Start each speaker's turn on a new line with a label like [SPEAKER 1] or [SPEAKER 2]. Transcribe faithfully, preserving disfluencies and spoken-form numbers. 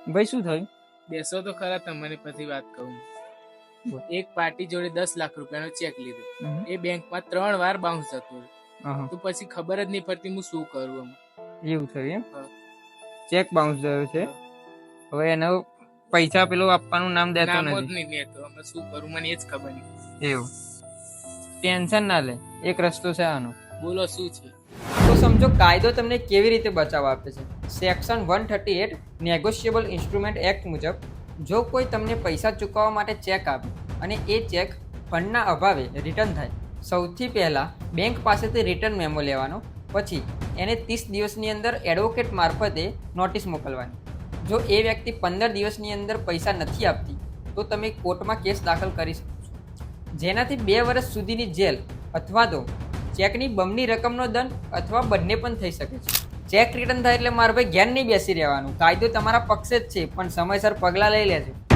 [SPEAKER 1] ભાઈ શું થયું?
[SPEAKER 2] બેસો તો ખરા, તમને પછી વાત કહું. એક પાર્ટી જોડે દસ લાખ રૂપિયાનો ચેક લીધો, એ બેંકમાં ત્રણ વાર બાઉન્સ થતું, તો પછી ખબર જ નહીં પડતી હું શું કરું.
[SPEAKER 1] એવું થયું એમ? ચેક બાઉન્સ થયો છે, હવે એનો પૈસા પેલું આપવાનું નામ દેતો નથી.
[SPEAKER 2] અમે શું કરું મને એ જ ખબર નહીં.
[SPEAKER 1] એવું ટેન્શન ના લે, એક રસ્તો છે આનો.
[SPEAKER 2] બોલો શું છે?
[SPEAKER 1] તો સમજો કાયદો તમને કેવી રીતે બચાવ આપે છે. Section one thirty eight negotiable instrument act મુજબ જો કોઈ તમને પૈસા ચૂકવવા માટે ચેક આપે અને એ ચેક ફંડના અભાવે રિટર્ન થાય, સૌથી પહેલાં બેંક પાસેથી રિટર્ન મેમો લેવાનો, પછી એને ત્રીસ દિવસની અંદર એડવોકેટ મારફતે નોટિસ મોકલવાની. જો એ વ્યક્તિ પંદર દિવસની અંદર પૈસા નથી આપતી તો તમે કોર્ટમાં કેસ દાખલ કરી શકો છો, જેનાથી બે વર્ષ સુધીની જેલ અથવા તો ચેકની બમણી રકમનો દંડ અથવા બંને પણ થઈ શકે છે. ચેક રિટર્ન થાય એટલે મારા ભાઈ ઘેર નહીં બેસી રહેવાનું, કાયદો તમારા પક્ષે જ છે, પણ સમયસર પગલાં લઈ લેજો.